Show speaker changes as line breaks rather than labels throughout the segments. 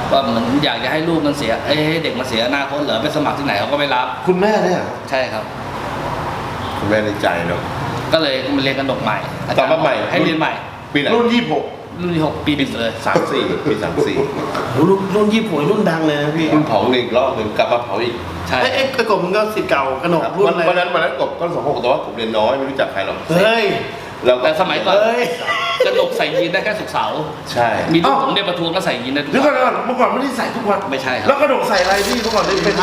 ว่าเหมือนอยากจะให้ลูกมันเสียให้เด็กมันเสียอนาคตเหรอไปสมัครที่ไหนเขาก็ไม่รับ
คุณแม่เนี่ย
ใช่ครับ
คุณแม่ในใจเนาะ
ก็เลยมาเรียนกระหนกใหม่
กลับมาใหม่
ให้เรียนใหม่
ปีไหน
รุ่น
รุ่นที่6ปีปิดเลย
34ปี34
รุ่น26รุ่นดังเลยนะพี่
รุ่นเผาหนึ่งรอบหนึ่งกลับมาเผาอีก
ใช่
ไอ้กบมึงก็ศิษย์เก่ากระหนกรุ่นอะไร
วันนั้นกบก็26แต่ว่ากบเรียนน้อยไม่รู้จักใครหรอก
เฮ้ย
แต่สมัยก่อนกระหนกใส่ยีนได้แค่ศุกร์เสาร์
ใช่
มีลูกผมเด็กประท้วงก็ใส่ยีนได้ทุกวัน
เมื่อก่อนไม่ได้ใส่ทุกวัน
ไม่ใช่ครับ
แล้วกระหนกใส่อะไรพี่เมื่อก่อนได้เป็น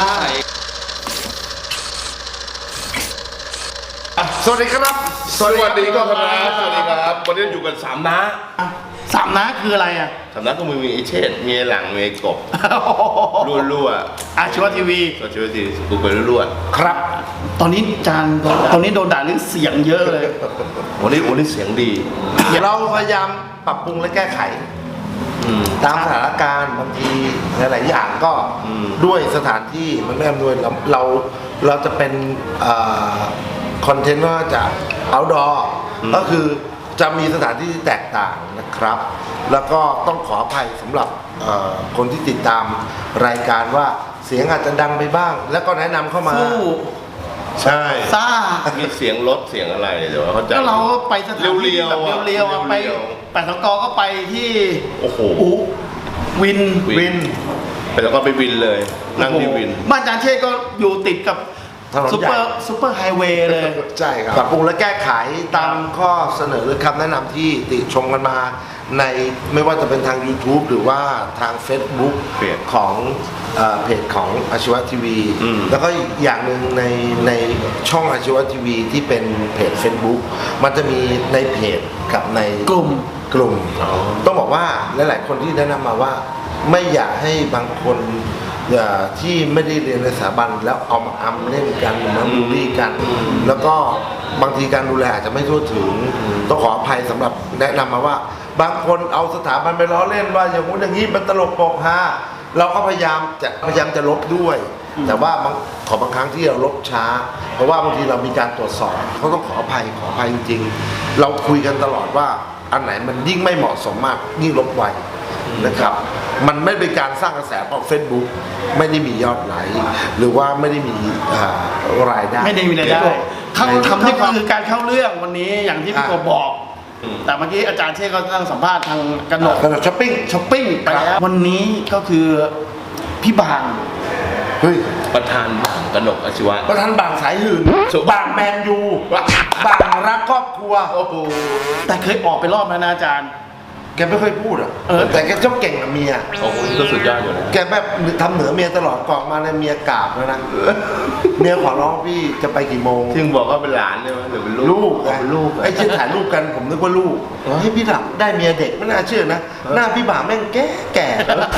สวัสดีครับ
สวัสดีครับสวัสดีครับวันนี้อยู่กัน3น้า
3น้าคืออะไรอ่ะ
3น้าก็มีไอ้เชษมีไอ้หลังมีไอ้กบรั่ว
อาชีวะทีวี
กูไปรั่ว
ครับตอนนี้ตอนนี้โดนด่าเรื่องเสียงเยอะเลย
วันนี้เสียงดี
เราพยายามปรับปรุงและแก้ไขตามสถานการณ์บางทีหลายๆอย่างก็ด้วยสถานที่มันไม่อำนวยเราจะเป็นคอนเทนต์ว่าจะ outdoor ก็คือจะมีสถานที่ที่แตกต่างนะครับแล้วก็ต้องขออภัยสำหรับคนที่ติดตามรายการว่าเสียงอาจจะดังไปบ้าง แล้วก็แนะนำเข้ามา
ใช่
ซ่า
มีเสียงรถเสียงอะไรเดี๋ยวเขาจะ
ก็เราไปสถานที่แบบเรียวๆไปแปดสกก็ไปที่
โอ้โห
วิน
แล้วก็ไปวินเลยนั่งที่วิน
บ้านอาจารย์เชษก็อยู่ติดกับซุปเปอร์ไฮเวย์เลยใช่ครับปรับปรุงและแก้ไขตามข้อเสนอหรือคำแนะนำที่ติชมกันมาในไม่ว่าจะเป็นทาง YouTube หรือว่าทาง Facebook ของเพจของอาชีวะทีวีแล้วก็อีกอย่างหนึ่งในช่องอาชีวะทีวีที่เป็นเพจ Facebook มันจะมีในเพจกับในกลุ่มต้องบอกว่าหลายๆคนที่แนะนำมาว่าไม่อยากให้บางคนที่ไม่ได้เรียนในสถาบันแล้วเอามาอำเล่นกันมาบูลลี่กันแล้วก็บางทีการดูแลอาจจะไม่ทั่วถึงต้องขออภัยสำหรับแนะนำมาว่าบางคนเอาสถาบันไปล้อเล่นว่าอย่างงู้นอย่างนี้มันตลกโปกฮาเราก็พยายามจะลบด้วยแต่ว่าบางครั้งที่เราลบช้าเพราะว่าบางทีเรามีการตรวจสอบเขาต้องขออภัยจริงๆเราคุยกันตลอดว่าอันไหนมันยิ่งไม่เหมาะสมมากยิ่งลบไวนะครับมันไม่เป็นการสร้างกระแสเพราะ Facebook ไม่ได้มียอดไลค์หรือว่าไม่ได้มีรายได้
ไม่ได้มีรายได้เขาทำนี่คือการเข้าเรื่องวันนี้อย่างที่พี่โกบอกแต่เมื่อกี้อาจารย์เชษก็นั่งสัมภาษณ์ทางกระหนก
ช้อปปิ้ง
ไปแล้ววันนี้ก็คือพี่บาง
ประธานบางกระหนกอาชีวะ
ประธานบางสายหื่นบางแมนยูบางรักครอบครัว
โอ้โหแต่เคยออกไปรอบแล้วนะอาจารย์
แกไม่ค่อยพูดอ่ะแต่แกชอบเก่งกับเมีย
โอ้โหก็สุดยอดอยู่นะ
แกแบบทำเหนือเมียตลอดกอกมาในเมียกราบแล้วนะเมียขอร้องพี่จะไปกี่โมง
ที่บอกว่าเป็นหลานใช่ไหมหรือเป็น
ลูกไอ้ที่ถ่ายรูปกันผมนึกว่าลูกให้พี่หลับได้เมียเด็กไม่น่าเชื่อนะหน้าพี่บ่าแม่งแก่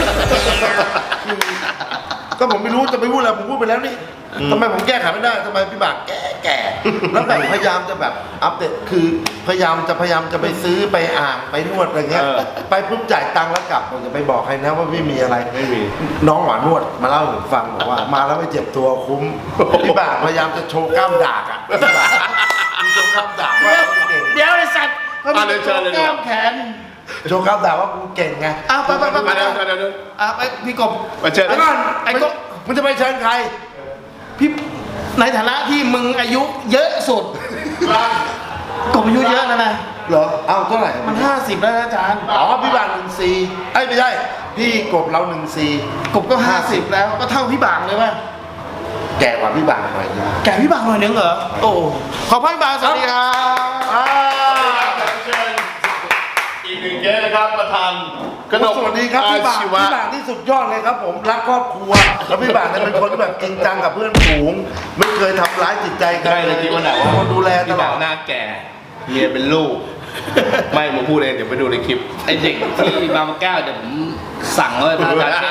ก็ผมไม่รู้จะไปพูดอะไรผมพูดไปแล้วนี่ทำไมผมแก้ไขไม่ได้ทำไมพี่บ่าแก่แล้วแบบพยายามจะแบบอัปเดตคือพยายามจะไปซื้อไปอ่างไปนวดอะไรเงี้ยไปปุ๊บจ่ายตังค์แล้วกลับผมจะไปบอกใครนะว่าไม่มีอะไร
ไม่มี
น้องหวานนวดมาเล่าให้ผมฟังบอกว่ามาแล้วไม่เจ็บตัวคุ้มพี่บ่าพยายามจะโชว์กล้ามดากอ่ะพี่บ่าโชว์กล้ามดากว่า
เดี๋ยวไอ้สัตว์เขาโชว์กล้ามแขน
โชว์กล้ามดากว่ากูเก่งไง
ไปไปพี่กบ
มาเชิญ
ไอ้ก็มึงจะไปเชิญใคร
พี่ในฐานะที่มึงอายุเยอะสุดกบอายุเยอะแล้วนะ
เหรอเอาเท่าไหร่
มัน50แล้วนะอาจารย์
พี่บาง14ไม่ใช่พี่กบเรา14
กบก็50แล้วก็เท่าพี่บางเลยป่ะ
แก่กว่าพี่บางหน่อย
แก่พี่บางหน่อยนึงเหรอโอ้ขอบพี่บางสวัสดีครับ
เชิญอีกหนึ่งเกสนะครับประธาน
กระหนกสวัสดีครับพี่บางที่สุดยอดเลยครับผมรักครอบครัวแล้วพี่บางเนี่ยเป็นคนที่แบบจริงจังกับเพื่อนฝูงไม่เคยทำร้ายจิตใจใคร
เลยคิดว่าไหนว่า
ดูแลตลอด
หน้าแก่เมียเป็นลูกไม่มาพูดเองเดี๋ยวไปดูในคลิป
ไอเด็กที่บางแก้วเดี๋ยวผมสั่งเลยท่านอาจารย์เชษ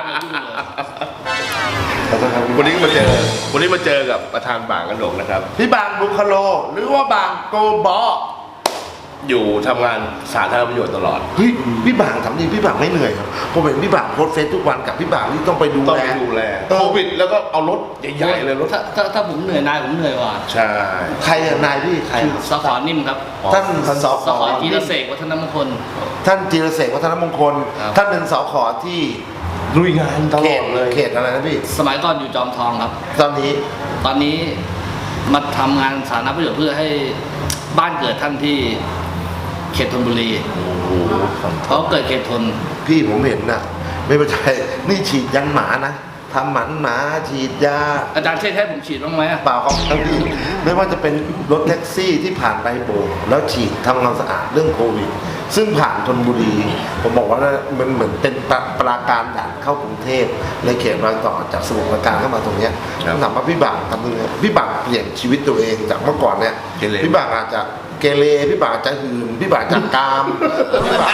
วันนี้มาเจอกับประธานบางกระหนกนะครับ
พี่บางบุคโลหรือว่าบางโกบอ
อยู่ทำงานสาธารณประโยชน์ตลอด
พี่บางทำดีพี่บางไม่เหนื่อยครับผมเห็นพี่บางโพสเฟซทุกวันกับพี่บางที่ต้องไปดูแล
โควิดแล้วก็เอารถใหญ่ๆเลยรถ
ถ้าผมเหนื่อยนายผมเหนื่อยว่ะ
ใช่
ใครนายพี่ใคร
สขนิ่มครับ
ท่าน
สขจีรเสกวัฒนมงคล
ท่านจีรเสกวัฒนมงคลท่านเป็นสขที่
ลุยงานตล
เข
อ
ต
ดเลย
เขตอะไรนะพี่
สมัยก่อนอยู่จอมทองครับ
ตอนนี้
ตอนนี้มาทำงานสาธารณประโยชน์เพื่อให้บ้านเกิดท่านที่เขตธนบุรีเขาเกิดเขตธน
พี่ผมเห็นน่ะ ไม่เป็นไรนี่ฉีดยันหมานะทำหมันหมาฉีดยา
อาจารย์เช่ให้ผมฉีดบ้างไหมอะ
เปล่าครับพี่ไม่ว่าจะเป็นรถแท็กซี่ที่ผ่านไปโบกแล้วฉีดทำความสะอาดเรื่องโควิด ซึ่งผ่านธนบุรี ผมบอกว่ามันเหมือนเป็นปราการด่านเข้ากรุงเทพในเขตรอยต่อจากสมุทรปราการเข้ามาตรงเนี้ยถามว่าพี่บางทำยังไงพี่บางเปลี่ยนชีวิตตัวเองจากเมื่อก่อนเนี่ยพี่บางอาจจะเกเรพี่บางอาจจะหืนพี่บางอาจจะกามพี่บาง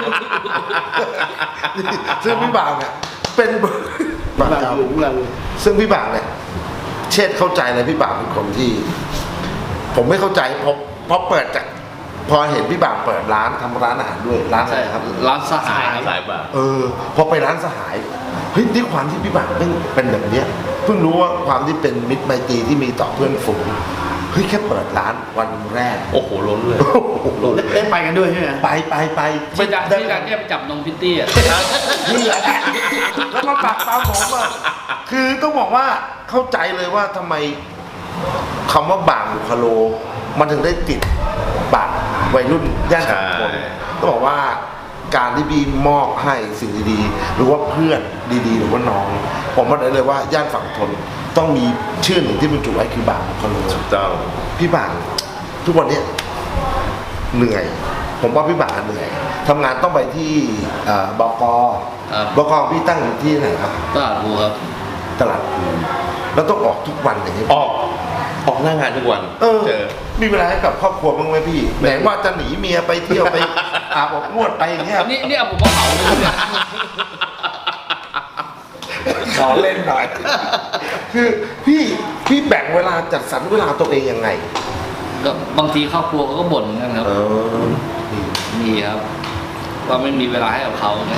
ซึ่งพี่บางเนี่ยเป็นบาง
แบบ
กาม
อยู่เรา
ซึ่งพี่บางเนี่ยเชษฐ์เข้าใจเลยพี่บางเป็นคนที่ ผมไม่เข้าใจเพราะเปิดจากพอเห็นพี่บางเปิดร้านทำร้านอาหารด้วยร้านอะไรครับ
ร้านสหายครับ
สายบ่า
พอไปร้านสหายเฮ้ยด้วยความที่พี่บางเป็นแบบเนี้ยเพิ่งรู้ว่าความที่เป็นมิตรไมตรีที่มีต่อเพื่อนฝูงเฮ้ยแค่เปิดร้านวันแรก
โอ้โหล้นเลยล้นเลย
ได้ไปกันด้วยใช่ไหม
ไป
ที่อาจารย์เนี่ยไปจับนมพิตตี้อะ
นี่แหละแล้วมาปักตามผมอ่ะคือต้องบอกว่าเข้าใจเลยว่าทำไมคำว่าบางบุคโล มันถึงได้ติดปากวัยรุ่นย่านสังคมต้องบอกว่าการที่พี่มอบให้สิ่งดีๆหรือว่าเพื่อนดีๆหรือว่าน้อง ผมบอกได้เลยว่าย่านฝั่งทนต้องมีชื่อหนึ่งที่บรรจุไว้คือบางบุคโล
ถูกต้อง
พี่บางทุกวันเนี้ยเหนื่อย ผมว่าพี่บางเหนื่อยทำงานต้องไปที่บกบกพี่ตั้งอยู่ที่ไหนครับ
ตลาดภูครับ
ตลาดพลูแล้วต้องออกทุกวันอย่างนี้
ออกหน้างานทุกวัน เจอ
มีเวลาให้กับครอบครัวบ้างไหมพี่ไหนว่าจะหนีเมียไปเที่ยวไป อาบอบนวดไปอย่างเงี้ย
นี่เอาผมมาเผาเลยเนี่ย
ขอเล่นหน่อย คือพี่แบ่งเวลาจัดสรรเวลาตัวเองยังไง
ก็บางทีครอบครัวเขาก็บ่นเหมือนกันครับ มีครับว่าไม่มีเวลาให้กับเขาไง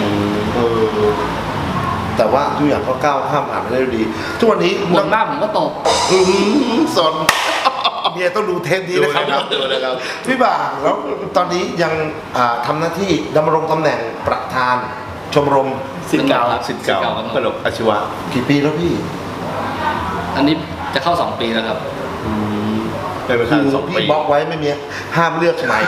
แต่ว่าทุกอย่างก็ก้าวข้ามผ่านไปได้ด้วยดี ทุกวันนี้
บ่นมากผมก็ตก
สนเมียต้องดูเทปนี้นะครับ
ดูนะครับ
พี่บ่างแล้วตอนนี้ยังทำหน้าที่ดำรงตำแหน่งประธาน ชมรม
สิทธิ์เก่า
สิทธิ์เก่าขนมอาชีวะ
กี่ปีแล้วพี่
อันนี้จะเข้า2 ปีแล้วครับ
เป็นประ
คื
ธาน
อ
2 ปี
พี่บล็อกไว้ไม่มีห้ามเลือกใหม่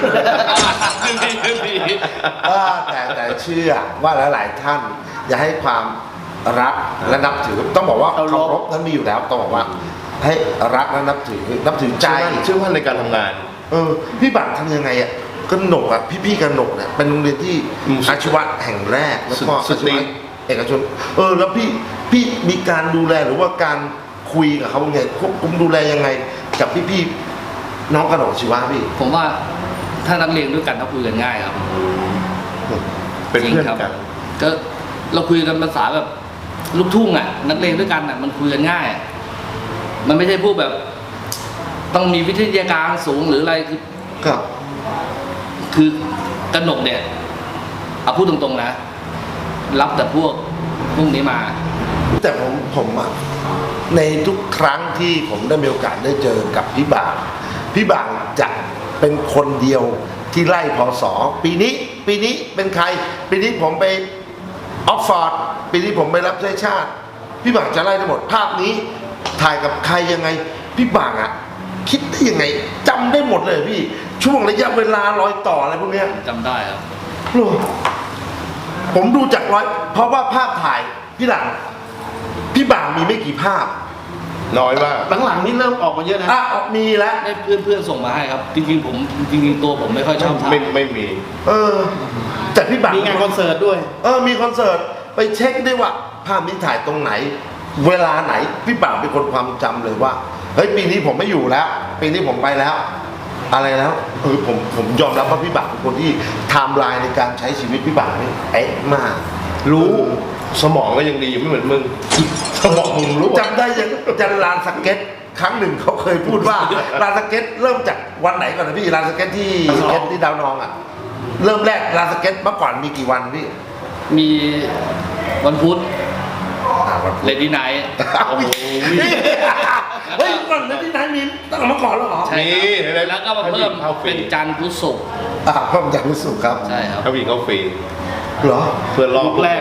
แต่เชื่อว่าหลายๆท่านอย่าให้ความรักและนับถือต้องบอกว่าเคารพนั้นมีอยู่แล้วต้องบอกว่า ให้รักและนับถือใจ
เชื่อมั่นในการทำงาน
พี่บังทำยังไงอ่ะกนกอ่ะพี่กนกเนี่ยเป็นโรงเรียนที่อาชีวะแห่งแรกแล้วก็
สุ
อา
ด
ชีวะเอกชนแล้วพี่มีการดูแลหรือว่าการคุยกับเขาไงควบคุมดูแลยังไงกับพี่น้องกนกอาชีวะพี่
ผมว่าถ้านักเรียนด้วยกันเขาคุยกันง่ายครับ
เป็นเพื่อน
จริงครับ
กัน
ก็เราคุยกันภาษาแบบลูกทุ่งอ่ะ นักเรียนด้วยกันอ่ะมันคุยกันง่าย มันไม่ใช่พูดแบบ ต้องมีวิทยาการสูงหรืออะไร
ครับ
คือกนกเนี่ยเอาพูดตรงๆนะ รับแต่พวกนี้มา
แต่ผมอ่ะในทุกครั้งที่ผมได้มีโอกาสได้เจอกับพี่บางจะเป็นคนเดียวที่ไล่พศปีนี้เป็นใคร ปีนี้ผมไปออกฟอร์ดปีนี้ผมไปรับใช้ชาติ พี่บางจะไล่ทั้งหมดภาพนี้ถ่ายกับใครยังไงพี่บางอ่ะคิดได้ยังไงจำได้หมดเลยพี่ช่วงระยะเวลารอยต่ออะไรพวกเนี้ย
จำได้ครับ
โอ้ผมดูจากเพราะว่าภาพถ่ายพี่หลังพี่บางมีไม่กี่ภาพ
น้อยมาก
หลังๆนี่เริ่มออกมาเยอะนะ
มีแล้ว
ได้เพื่อนส่งมาให้ครับ จริงๆตัวผมไม่ค่อยชอบถ่าย
ไม่มี
แต่พี่บาง
มีงานคอนเสิร์ตด้วย
มีคอนเสิร์ตไปเช็คได้ว่าภาพนี้ถ่ายตรงไหน เวลาไหนพี่บางเป็นคนความจำเลยว่าเฮ้ยปีนี้ผมไม่อยู่แล้ว ปีนี้ผมไปแล้ว อะไรแล้วผมยอมรับว่าพี่บางเป็นคนที่ไทม์ไลน์ในการใช้ชีวิตพี่บางนี่เอ๊ะมาก
รู้สมองก็ยังดีไม่เหมือนมึง สมองมึงรู้
จำได้ยังลานสเก็ตครั้งหนึ่งเขาเคยพูดว่า ลานสเก็ตเริ่มจากวันไหนก่อนนะพี่ลานสเก็ตที่สเก็ตที่ดาวนองอ่ะเริ่มแรกลานสเก็ตเมื่อก่อนมีกี่วันพี่
มีวันพุธ
วันพุธ
เลดี้ไนท์
โอ้โหเฮ้ยก่อนเลดี้ไนท์มีตั้งแต่เมื่อก่อนแล้วเหรอ
ใช่ครับแล้วก็มาเพิ่ม
เข้าฟรี
เป็นจันทร์พุธศุกร์
เพิ่มจากรู้สึกครับ
ใช่ครับ
เขาวิ่งเข้าฟรี
เหรอ
เพื่อรอบ
ยุคแรก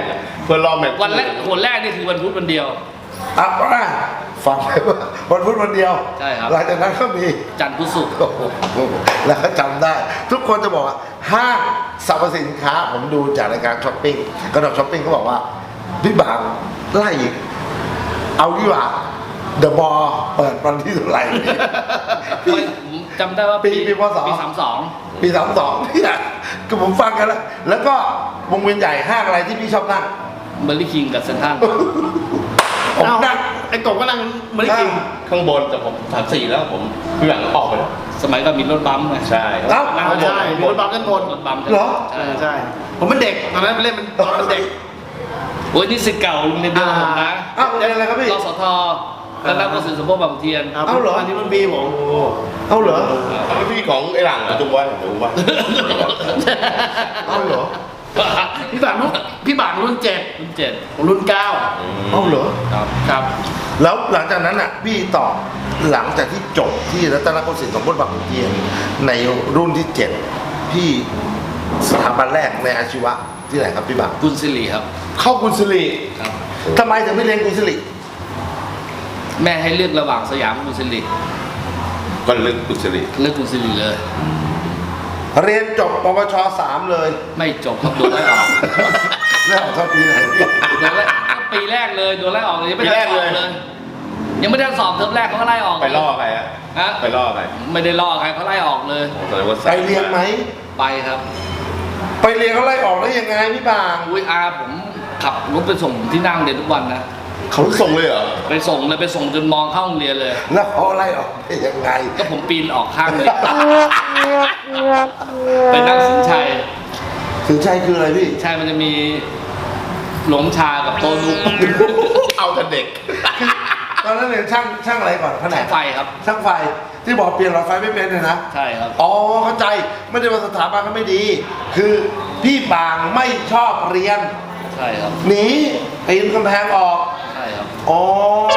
เพื่อรอแมตช์
วันแรกคนแรกนี่คือวันพุธวันเดียว
อ่ะฟังไปว่าวันพุธวันเดียว
ใช่ครับ
หลังจากนั้นก็มี
จันทร์พุธศุกร์
โอ้โหแล้วก็จำได้ ทุกคนจะบอกว่าห้างสรรพสินค้าผมดูจากรายการช้อปปิ้งกระดกช้อปปิ้งเขาบอกว่าพี่บางไล่อีกเอาดีกว่าเดอะบอลเปิดวันที่เท่าไหร่
ผมจำได้ว่า
ปีพศ
ปี
ปี32เนี่ยก็ผมฟังกันแล้วแล้วก็วงเวียนใหญ่ห้างอะไรที่พี่ชอบนั่ง
32เบอร์ลี่คิงกับเซนทรัล
ผม
เอ้า
นั่ง
ไอ้กบก็นั่งไม่ได้กิน
ข้างบนแต่ผม34แล้วผมพี่หลังออกไปแล้ว
สมัยก่อนมีรถบัมป์ไง
ใช่
เอ้า
นั่งใช่มีรถบัมด้านบน
รถบัมป์
เหรอ
ใช่
ใช่ผมเป็นเด็กตอนนั้นไปเล่นเป็นตอนเป็นเด็ก
โอ้ยนี่สิทธิ์เก่าโรงเรียนเดียวกับผมนะ
เอ้าเรียนอะไรครับพี่
รสทแล้วรับกระสุนสมบูรณ์บางขุนเทียน
ครับ
เอ้าเหรอ
อันนี้รุ่นพี่ผม
เอาเหรอ
แล้วพี่ของไอ้หลังอะจุงไว้จุงไว้
เอาเหรอ
พี่บางรุ่น7
รุ่นเจ็ด
ผมรุ่น9
เอาเหรอ
ครับ
ครับ
แล้วหลังจากนั้นอ่ะพี่ต่อหลังจากที่จบที่รัตนโกสินทร์สมบูรณ์บางขุนเทียนในรุ่นที่7พี่สถาบันแรกในอาชีวะที่ไหนครับพี่บาง
กุลศิริครับ
เข้ากุลศิริ
ครับ
ทำไมถึงไม่เรียนกุลศิริ
แม่ให้เลือกระหว่างสยามกับกุลศิริ
ก็ลึกกุศลี
เลือกกุลศิริเลย
เรียนจบปวช3เลย
ไม่จบครับโดนไล่ออก
แล้วเข้าปีไหนพี่
โดนไล่ปีแรกเลยโดนไล่ออกเลยยังไม่ได้สอบเลย ยังไม่ได้สอบเทอมแรกเขาก็ไล่ออก
ไปล่อใครอะ
ฮะ
ไปล่อใคร
ไม่ได้ล่อใครเขาไล่ออกเลย
โอ้แสดงว่า
ไปเรียนไหม
ไปครับ
ไปเรียนเขาไล่ออกได้ยังไงพี่บาง
อุ้ยอาผมขับรถไปส่งที่นั่งเรียนทุกวันนะ
เขาส่งเลยเหรอ
ไปส่งเลยไปส่งจนมองเข้าโรงเรียนเลย
แล้วเขาไล่ออกได้ยังไง
ก็ผมปีนออกข้างเลยไปนั่งสินชัย
ถึงใจคืออะไรพี่
ใช่มันจะมีหลงชากับโตนุก
เอาแต่เด็ก
ตอนนั้นเรียนช่างอะไรก่อนแผน
แส
ก
งไฟครับ
ช่างไฟที่บอกเปลี่ยนหลอดไฟไม่เป็นเลยนะ
ใช่ครับ
อ๋อเข้าใจไม่ได้ว่าสถาบันเขาไม่ดี คือพี่บางไม่ชอบเรียน
ใช่ครับ
หนีปีนกำแพงออก
ใช่ครับ
อ๋อ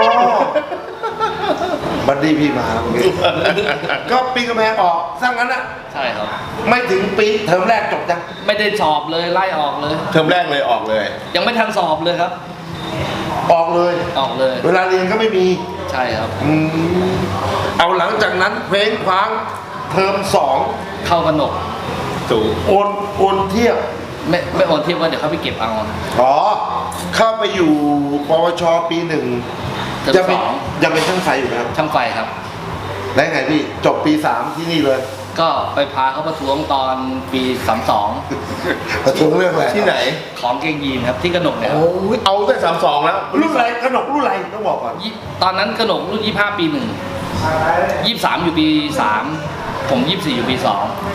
บัดดี้พี่มาเมื่อกี้ก็ปีนกำแพงออกสร้างนั้นอะ
ใช่ครับ
ไม่ถึงปีเทอมแรกจบจัง
ไม่ได้สอบเลยไล่ออกเลย
เทอมแรกเลยออกเลย
ยังไม่ทันสอบเลยครับ
ออกเลย
ออกเลย
เวลาเรียนก็ไม่มี
ใช่ครับ
เอาหลังจากนั้นเพลงคว้างเทอมสอง
เข้ากระหนก
สูง
โอนเทียบ
ไม่โอนเทียบว่าเดี๋ยวเขาไปเก็บเอา
อ๋อเข้าไปอยู่ปวชปีหนึ่ง
เทอม
ยัง
ส
เป็น
อง
ยังเป็นช่างไฟอยู่นะครับ
ช่างไฟครับ
แล้วไงพี่จบปี3ที่นี่เลย
ก็ไปพาเขาประท้วงตอนปี32
ประท้วงเรื่องอะไร
ที่ไหน
ของเกงยีนครับที่กระหนกเนี่ยครับ
โอ้ย
เอาแต่32แล้ว
รุ่นอะไรขนมรุ่นอะไรต้องบอกก่อน
ตอนนั้นกระหนกรุ่น25ปี1 23อยู่ปี3ผม24อยู่ปี2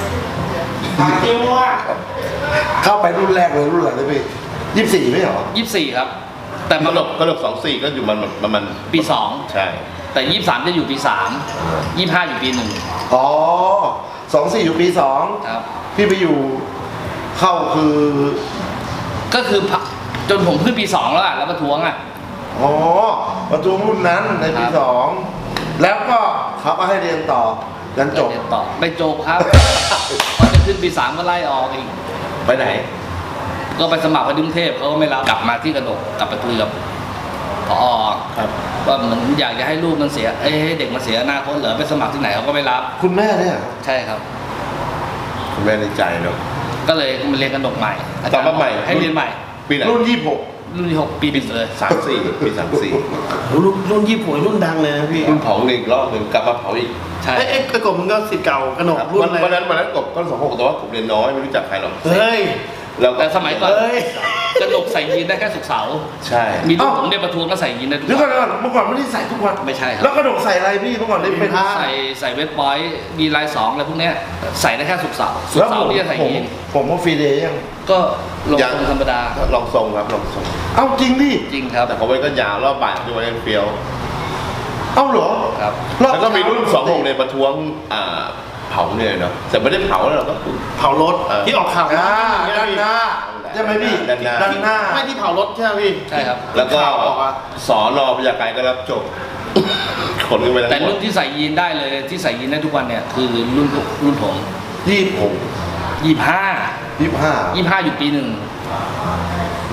เข้าไปรุ่นแรกเลยรุ่นอะไรเลยพี่24ไม่เหรอ
24ครับ แต่
ก
มา
ระหลบ24ก็อยู่มัน
ปี
ใช่
2แต่23จะอยู่ปี3 25อยู่ปี1
อ๋อ24อยู่ปี2
ครับ
พี่ไปอยู่เข้าคือ
ก็คือจนผมขึ้นปี2แล้วอ่ะแล้วประท้วงอ่ะ
อ๋อประท้วงรุ่นนั้นในปี
ครับ
2แล้วก็เขาก็ให้เรียนต่อยันจบ
เรียนต่อไม่จบครับ พอจะขึ้นปี3ก็ไล่ออกอีก
ไปไหน
ก็ไปสมัครไปกรุงเทพเขาก็ไม่รับกลับมาที่กระหนกกลับไปคุยกับผอ
ครับ
ว่าเหมือนอยากจะให้ลูกมันเสียให้เด็กมันเสียอนาคตเหรอไปสมัครที่ไหนเขาก็ไม่รับ
คุณแม่เนี่ย
ใช่ครับ
คุณแม่ในใจเนาะ
ก็เลยมาเรียนกระหนกใหม่อาจารย์
ตอนมาใหม่
ให้เรียนใหม่
ปีไหน
รุ่น
รุ่นที่6ปี1เลย
34ปี34
รุ่นญี่ปุ่นรุ่นดังเลยนะพี่
คุณเผาอีกรอบหนึ่งกลับมาเผาอีก
ใช่
ไอ้กบมันก็สิทธิ์เก่ากระหนกรุ่
วัน น
เลย
วันนั้นกบก็26แต่ว่าผมเรียนน้อยไม่รู้จักใครหรอก
เฮ้ย
แล้วก็
แต่สมัยก่อน
เอ้ย
กระหนกใส่ยีนได้แค่ศุกร์เสาร์
ใช่
มีลูกผมเนี่ยประท้วงก็ใส่ยีนได้ทุก
เดี๋ยวก่
วั
อน
น
เดี๋ยวก่อนเมื่อก่อนไม่ได้ใส่ทุกวัน
ไม่ใช่ครับ
แล้วกระดกใส่อะไรพี่เมื่อก่อนได้เป็น
ใส่เวทบอยมีลาย2อะไรพวกเนี้ยใส่ได้แค่ศุกร์เสาร์ศุก
แล้ว
ร์เสาร์ที่จะใส่ยีน
ผมว่าฟรีเดย์ยัง
ก็ลงตรงธรรมดา
ลองทรงครับลองทรง
เอ้าจริงดิ
จริงครับ
แต่เขาไว้ก็ยาวรอบบ่ายที่ไว้เล่นเฟี้ยว
เอ้าเหรอ
ครับ
แล้วก็มีรุ่น26ในประท้วงเผาเนี่ยเนาะแต่ไม่ได้เผาแล้วเราก็คือ
เผารถที่ออกข่าว
ด้าน
อย่างเงี้ยพี่
หน้าใช่ไหมพี่
ด้านหน้า
ด้านหน้า
ไม่ที่เผารถใช่ไหมพี่
ใช่ครับ
แล้วก็
ข่าวออกอะ
สอนอพยาไกรก็รับจบ ขนกันไปทั้ง
แต่
หม
รุ่
ด
นที่ใส่ยีนได้เลยที่ใส่ยีนได้ทุกวันเนี่ยคือรุ่นผม
26
25
25
25อยู่ปี1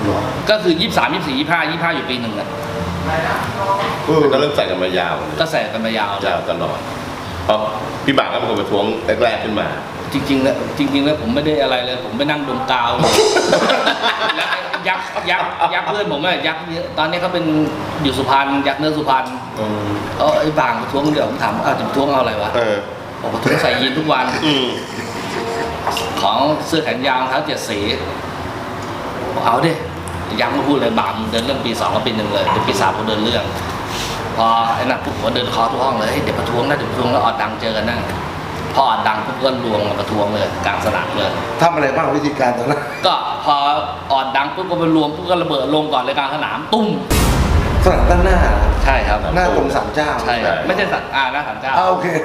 ก็คือ23 24 25อยู่ปีหนึ่งอะ
ก็เริ่มใส่กันมายาว
ก็ใส่กันมายาวเลย
ยาวตลอดเพราะพี่บางก็เป็นคนประท้วงแรกๆขึ้นมา
จริงๆแล้วผมไม่ได้อะไรเลย ผมไปนั่งดมกาว แล้วยักษ์เพื่อนผมอะยักษ์เยอะตอนนี้เขาเป็นอยู่สุพรรณยักษ์เนื้อสุพรรณไอ้บางประท้วงเดี๋ยวผมถามว่าจะประท้วงเอาอะไรวะบอกประท้วงใส่ยีนทุกวันของเสื้อแขนยาวรองเท้า7 สีบอกเอาดิยักษ์มาพูดเลยบางเดินเรื่องปี 2กับปี 1เลยเดี๋ยวปี 3ผมเดินเรื่องพอไอ้นั่นปุ๊บผมเดินเคาะทุกห้องเลยเดี๋ยวประท้วงนะเดี๋ยวประท้วงแล้วออดดังเจอกันนั่งพอออดดังปุ๊บก็รวมมาประท้วงเลยกลางสนามเลย
ทำอะไรบ้างวิธีการตอนนั้น
ก็พอออดดังปุ๊บก็ไปรวมปุ๊บก็ระเบิดลงก่อนเลยกลางสนามตุ้ม
สนามด้านหน้า
ใช่ครับ
หน้าตรงศาลเจ้า
ใช่ครับไม่ใช่สัตว์หน้าศาลเจ้า
โอเค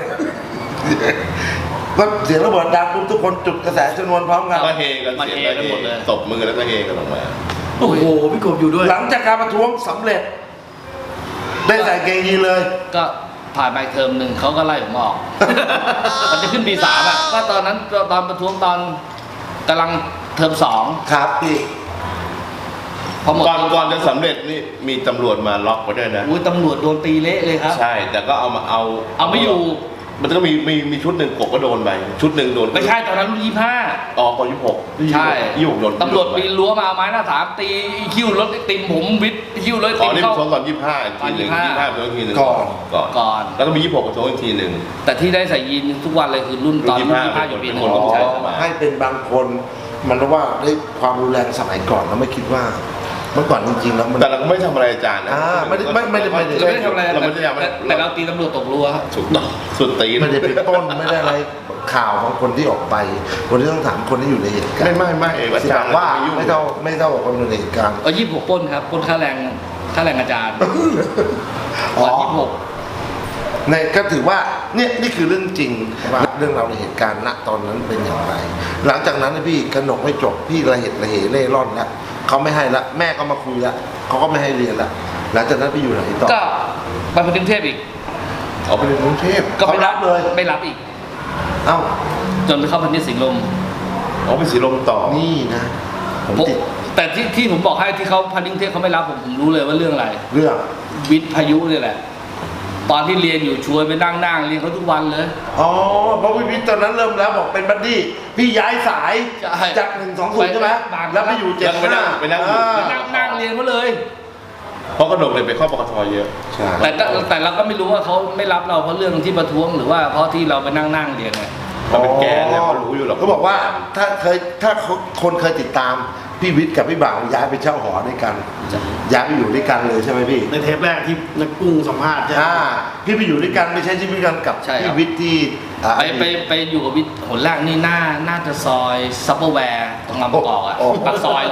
ก็เสียงระเบิดดังปุ๊บทุกคนจุดกระแสชนวนพร้อมกัน
ก็เฮกันเสียงกันหมดเลยตบมือแล้วก็เฮกันออกมา
โอ้โหพี่กบอยู่ด้วย
หลังจากการประท้วงสำเร็จ ได้ใส่เกงยีนเลย
ก็ผ่านไปเทอมหนึ่งเขาก็ไล่ผมออก มันจะขึ้นปี 3อ่ะก็ตอนนั้นตอนประท้วงตอนกำลังเทอม
ครับพี่
2พอหมด
ก่อนจะสำเร็จนี่มีตำรวจมาล็อกไว้ด้วยนะ
อุ้ยตำรวจโดนตีเละเลยครับ
ใช่แต่ก็เอา
ไม่อยู่
มันก็มีชุดหนึ่งกบก็โดนไปชุดหนึ่งโดน
ไม่ใช่ตอนนั้นรุ่น25
อ๋อป26
ใช่
26โดน
ตำรวจปีนรั้วมาไม้หน้าสามตีคิ้วรถไอติมผมวิทย์คิ้วรถไอ
อ๋
ติ
อ
ม
นี่
เข้า
ประท้วงตอน25อีกทีหนึ่ง
ตอน25
25ประท้วงอีกทีหนึ่ง
ก่อน
ก่อน
แล้วก็มี26ประท้วงอีกทีหนึ่ง
แต่ที่ได้ใส่ยีนทุกวันเลยคือรุ่นตอนรุ่น25อยู่ปีหนึ่ง
รุ่น25
ใช่
ให้เป็นบางคนมันรู้ว่าด้วยความรุนแรงสมัยก่อนเราไม่คิดว่า เมื่อก่อนจริงๆแล้วมัน
แต่เราก็ไม่ทำอะไรอาจารย์นะ
ไม่ได้
เราไม่ได้ทำอะไร
เราไม่ได้ทำอะไร
แต่เราตีตำรวจตกรั้วครับ
ถูกต้องสุดตีน
ไม่ได้เป็นต้นไม่ได้อะไรข่าวของคนที่ออกไป คนที่ต้องถามคนที่อยู่ในเหตุการณ์
ไม่อา
ที่
จา
บ
ร
อก
ย์
ว่า
ยุ่ง
ไม่เท่ากับคนอยู่ในเหตุการณ์
26ปล้นครับปล้นค่าแรงอาจารย์
อ๋อ
วัน26
ในก็ถือว่านี่คือเรื่องจริงว่าเรื่องราวในเหตุการณ์ณตอนนั้นเป็นอย่างไร หลังจากนั้นนะพี่กนกไม่จบพี่ระเหตุระเหเล่ร่อนแล้วเขาไม่ให้ละแม่ก็มาคุยละเขาก็ไม่ให้เรียนละหลังจากนั้นไปอยู่ไหนต่อ
ก็ไปกรุงเทพอีก
เอาไปเรียนกรุงเทพ
ก็
เขารับเลย
ไม่รับอีก
เอ้า
จนไปเข้าพันธุ์สิงห์ลม
เอาไปสีลมต่อ
นี่นะผมติด
แต่ที่ผมบอกให้ที่เขาพันธุ์กรุงเทพเขาไม่รับผมรู้เลยว่าเรื่องอะไร
เรื่อง
วิทย์พายุนี่แหละ ตอนที่เรียนอยู่ชวนไปนั่งเรียนเขาทุกวันเลย
อ๋อเพราะพี่ตอนนั้นเริ่มแล้วบอกเป็นบัดดี้พี่ย้ายสาย
ใช่
จาก120ใช่ไหมแล้วไปอยู่75
ไปนั่ง
นั่งเรียนเขาเลย
เพราะกระดกเลยไปเข้าปกทเยอะ
ใช่
แต่เราก็ไม่รู้ว่าเขาไม่รับเราเพราะเรื่องที่ประท้วงหรือว่าเพราะที่เราไปนั่งเรียนไง
มันเป็นแกนเนี่ยเขารู้อยู่หรอก
เขาบอกว่าถ้าคนเคยติดตามพี่วิทย์กับพี่บ่าวย้ายไปเช่าหอด้วยกันย้ายไปอยู่ด้วยกันเลยใช่ไหมพี่
ในเทปแรกที่นักกุ้งสัมภาษณ์ใช่ไหม
พี่ไปอยู่ด้วยกันไม่ใช่ชีวิตกันกับ
ใช่ครับ
พี่วิทย์ที่
ไปอยู่กับวิทย์หนแรกนี่น่าจะซอยซัปเปอร์แวร์ตรงลำประกอบอ่ะปากซอยเลย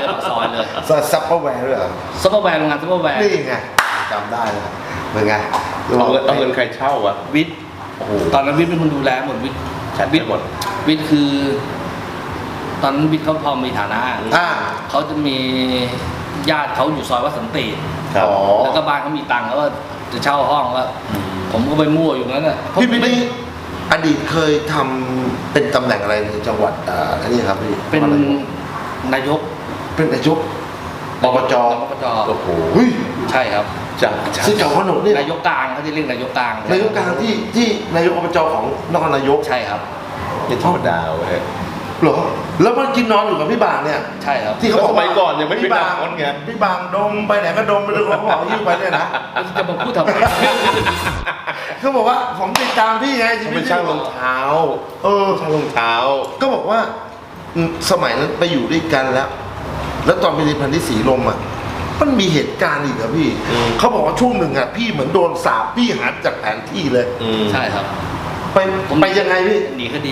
ซัปเปอร์แวร์ด้วยเหรอ
ซัปเปอร์แวร์โรงงานซัปเปอร์แวร์
นี่ไงจำได้เลยเป็นไง
เอาเงินใครเช่าวะ
วิทย์ตอนนั้นวิทย์เป็นคนดูแลหมดวิทย์
จัดหมด
วิทย์คือ ตอนนั้นวิทย์เขาพอมีฐานะ เขาจะมีญาติเขาอยู่ซอยวัดสันติ
ครับ
แล้วก็บ้านเขามีตังค์แล้วก็จะเช่าห้องแล้วผมก็ไปมั่วอยู่นั้นน่ะ
พี่วิทย์นี่อดีตเคยทำเป็นตำแหน่งอะไรในจังหวัดอันนี้ครับพี่
เป็นนายก
เป็นนายกอบจ
โอ้โห
เฮ้ย
ใช่ครับ
จัง
ซึ่งเจ้าขนมนี่
นายกกลางเขาจะเรียกนายกกลาง
นายกกลางที่นายกอบจของนครนายก
ใช่ครับ
นี่ธรรมดาเว้ย
เหรอแล้วมันกินนอนอยู่กับพี่บางเนี่ย
ใช่ครับ
ที่เขาบอก
สมัยก่อนยังไม่มี
พี่บาง
หนังไง
พี่บางดมไปไหนก็ดมไปเลยเขาบอกยิ้วไปเนี่ยนะ
จะมาพูดทำไม
เขาบอกว่าผมติดตามพี่ไงชี
เขา
วิ
เป็
ต
นช่างรองเท้า ช่างรองเท้า
ก็บอกว่าสมัยนั้นไปอยู่ด้วยกันแล้วตอนไปเรียนพันธุ์ที่สีลมอ่ะมันมีเหตุการณ์อีกอะพี่ เขาบอกว่าช่วงหนึ่งอ่ะพี่เหมือนโดนสาปพี่หาจากแผนที่เลย
ใช่ครับ
ไปยังไงพี่
หนีคดี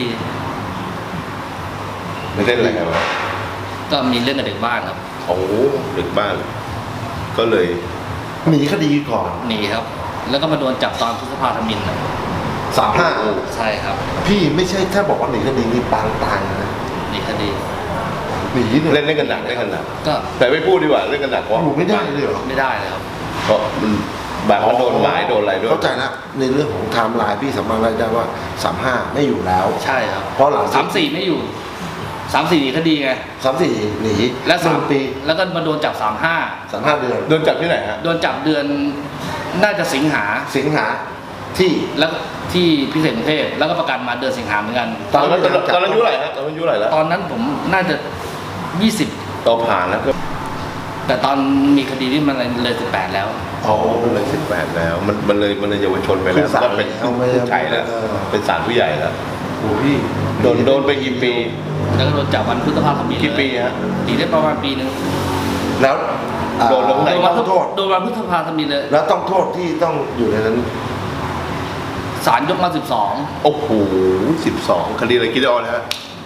ไม่เล่นอะไรกันวะ
ก็มีเรื่องกับเด็กบ้านครับ
โอ้โหดึกบ้าน ก็เลย
หนีคดีก่อน
หนีครับ แล้วก็มาโดนจับตอนพฤษภาธมินนะ
35
ใช่ครับ
พี่ไม่ใช่ถ้าบอกว่าหนีคดีนี่ปางตายนะ
หนีคดี
หนีเนี่ย
เล่นกันหนักเล่นกันหนัก
ก็
แต่ไม่พูดดีกว่าเล่นกันหนักเพราะ
อยู่ไม่ได้เลยเหรอ
ไม่ได้เลยครับ
เพราะมันบางมันโดนหมายโดนอะไรด้วย
เข้าใจแล้วในเรื่องของไทม์ไลน์พี่สามารถรายได้ว่า35ไม่อยู่แล้ว
ใช่ครับ
เพราะหลัง
34ไม่อยู่ 3-4 คดีไง
3-4หนี
และ
1 ปี
แล้วก็มาโดนจับ
3-5 เดือน
โดนจับที่ไหนฮะ
35โดนจับเดือนน่าจะสิงหา
สิงหาที่
แล้วก็ที่พิเศษกรุงเทพแล้วก็ประกันมาเดือนสิงหาเหมือนกัน
ตอนนั้นอายุเท่าไหร่ฮะตอนนั้นอายุเท่าไหร่แล้ว
ตอนนั้นผมน่าจะ 20
เราผ่านแล้วก็
แต่ตอนมีคดีที่มันเลย18แล้ว
อ๋อมันเลย18แล้วมันเลยเยาวชนไปแล้วก็เป็นผู้ใหญ่แล้วเป็นศาลผู้ใหญ่แล้ว
โอ้พี่
โดนไปกี่ปี
แล้วก็โดนจับวันพฤษภาคม
กี่ปีฮะ
ปีได้ประมาณปีหนึง
แล้ว
โดนลงไหน
ต้องโทษ
โดนวันพฤษภาคมเลย
แล้วต้องโทษที่ต้องอยู่ในนั้น
ศาลยกมา
โอ้โห12คดีอะไรคิดได้ออกนะฮะ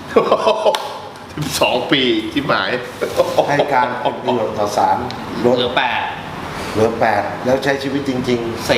12 ปีที่หมาย
ให้การเป็นประโยชน์ต่อศาลล
12
ด
เหลือ
เหลือ 8 แล้วใช้ชีวิตจริง
8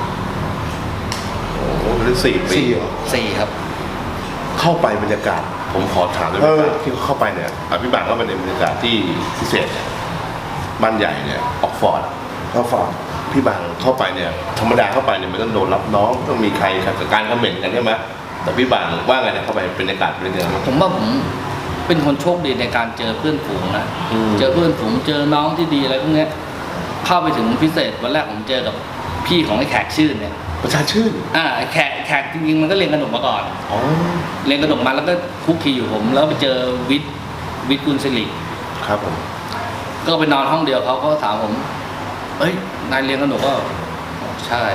4
โอ้โหเป็น4 ปี
4เหรอ
4 ครับ
เข้าไปบรรยากาศ ผมขอถามด้วย
เออ
ที่เข้าไปเนี่ยพี่บังเข้าไปในบรรยากาศที่พิเศษเนี่ยบ้านใหญ่เนี่ยออกฟอร์ด
เขาฝาก
พี่บังเข้าไปเนี่ยธรรมดาเข้าไปเนี่ยมันต้องโดนรับน้องต้องมีใครขัดการคอมเมนต์กันใช่ไหมแต่พี่บังว่าไงเนี่ยเข้าไปบรรยากาศเป็นยังไง
ผมว่าผมเป็นคนโชคดีในการเจอเพื่อนฝูงนะ
อืม
เจอเพื่อนฝูงเจอน้องที่ดีอะไรพวกเนี้ยเข้าไปถึงพิเศษวันแรกผมเจอกับพี่ของไอ้แขกชื่นเนี่ย
ประชาชื่น
ไอ้แขกจริงๆมันก็เรียนขนมมาก่อน
อ๋อ
เรียนขนมมาแล้วก็คุกคีอยู่ผมแล้วไปเจอวิทย์กุลศิริ
ครับผม
ก็ไปนอนห้องเดียวเขาก็ถามผมเอ้ยนายเรียนขนมก็ใช่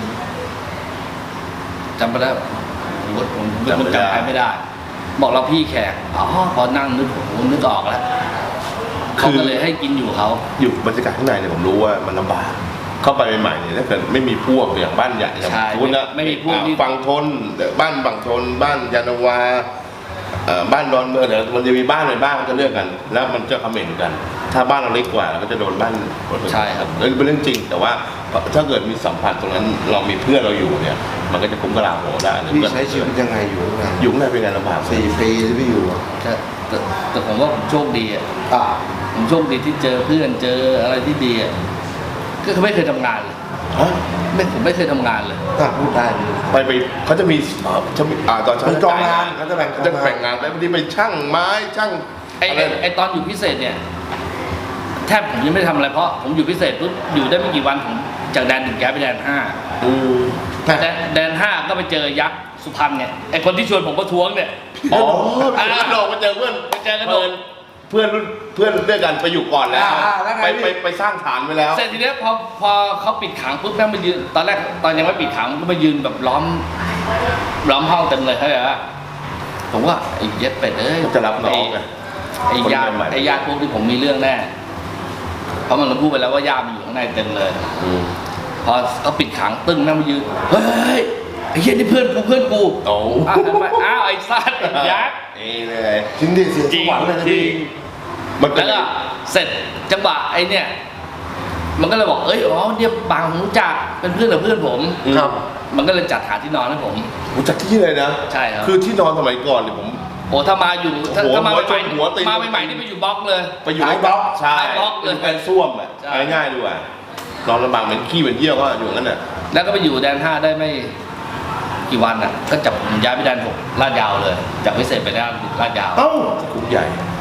จำไปแล้วผมจำใครไม่ได้ บอกเราพี่แขกอ๋อพอนั่งนึกผมนึกออกแล้วเขาก็เลยให้กินอยู่เขา
อยู่บรรยากาศข้างในเนี่ยผมรู้ว่ามันลำบากเข้าไปใหม่ๆเนี่ยถ้าเกิดไม่มีพวกอย่างบ้านใหญ่อย่าง
ใช่
คุณนะ
ไม่มีพวกที่
ฝั่งทนบ้านฝั่งทนบ้านยานนาวาบ้านดอนเมืองเดี๋ยวมันจะมีบ้านในบ้านมันจะเลือกกัน แล้วมันจะคอมเมนต์กัน ถ้าบ้านเราเล็กกว่าเราก็จะโดนบ้าน
ใช่ครับ
เป็นเรื่องจริง แต่ว่าถ้าเกิดมีสัมผัสตรงนั้นเรามีเพื่อนเราอยู่เนี่ย มันก็จะคุ้มกระลาโหได้
พี่ใช้ชีวิตยังไงอยู่ข้างใน
อยู่ข้างในเป็นไงลำบาก
4 ปีที่พี่อยู่อะ
แต่ผมว่าผมโชคดีอ่ะ
อ่า
ผมโชคดีที่เจอเพื่อนเจออะไรที่ดีอ่ะก็คือไม่เคยทำงานเลย
ฮะ
ผมไม่เคยทำงานเลย
พูดได้พี่
ไปเขาจะมีตอนเช้า
มีกองงานเขาจะแบ่งกองงาน
จะแบ่งงานแล้วบางทีไปช่างไม้ช่าง
ไอตอนอยู่พิเศษเนี่ยแทบผมยังไม่ได้ทำอะไรเพราะผมอยู่พิเศษปุ๊บอยู่ได้ไม่กี่วันผมจากแดน 1ย้ายไปแดน 5แดน 5ก็ไปเจอยักษ์สุพรรณเนี่ยไอคนที่ชวนผมประท้วงเนี่ย
อ๋อไปเจอกระโดดไปเจอเพื่อน
ไปเจอกระโดด
เพื่อนรุ่นเพื่อนด้วยกันไปอยู่ก่อนแล้วไปสร้างฐานไว้แล้ว
เสร็จทีเนี้ยพอเขาปิดขังปุ๊บแม่งมายืนตอนแรกตอนยังไม่ปิดขังก็มายืนแบบล้อมห้องเต็มเลยเข้าใจปะผมว่าไอ้เย็ดเป็ดเอ้ย
จะรับน้องไง
ไอ้ญาติ
คนใหม่ๆ
ไอ้ญาติพวกที่ผมมีเรื่องแน่เพราะมันพูดไปแล้วว่าญาติมันอยู่ข้างในเต็มเลย พอเขาปิดขังตึ้งแม่งมายืนเฮ้ยไอ้เหี้ยนี่เพื่อนกู
โอ้
อ้าวไอ้ซัดไอ้ยักษ์
นี่เลย
จริงดิเสียสวรรค์เลยนะพี่
มันเป็น
แล้วก็เสร็จจังหวะไอ้เนี่ยมันก็เลยบอกเนี่ยบางผมรู้จักเป็นเพื่อนกับเพื่อนผม
ครับ
มันก็เลยจัดหาที่นอนให้ผม
รู้จักที่เลยนะ
ใช่ครับ
คือที่นอนสมัยก่อนเนี่ยผม
โอ้ถ้ามาอยู่ถ้า
หัว
มา
หัว
ใหม่
หัวตีน
มาใหม่ๆนี่ไปอยู่บล็อกเลย
ไปอยู่
ท้ายบล็อก
ใช่
ท้ายบล็อกเลย
เป็นส้วมอ่ะ
ใช่
ง่ายๆดีกว่านอนลำบากเหมือนขี้เหมือนเยี่ยวก็อยู่งั้นน่ะ
แล้วก็ไปอยู่แดน 5ได้ไม่กี่วันอ่ะก็จับผมย้ายไปแดน 6ลาดยาวเลยจากพิเศษไปลาดยาว
เอ้า
คุกใหญ่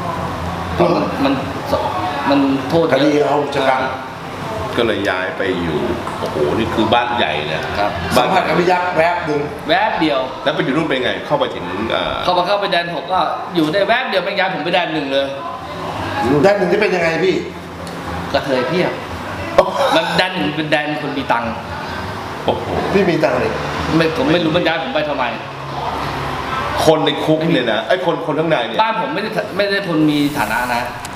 มันโทษ
ค
เย
ดี
อะ
เอาจัดการ
ก็เลยย้ายไปอยู่โอ้โหนี่คือบ้านใหญ่เนี่ย
ครับ
สัมผัสกับพี่ยักษ์แวบหนึ่ง
แวบเดียว
แล้วไปอยู่นู่นเป็นไงเข้าไปถึง
เข้าไปแดน 6ก็อยู่ได้แวบเดียวไม่ย้ายผมไปแดน 1เลย
อยู่ด้านหนึ่งที่เป็นยังไงพี่
กระเทยเพียบมันแดน 1เป็นแดนคนมีตังค์
โอ้โห
พี่มีตังค์เลย
ผมไม่รู้มันย้ายผมไปทำไม
คนในคุกเนี่ยนะไอ้คนข้างในเนี่ย
บ้านผมไม่ได้คนมีฐานะนะ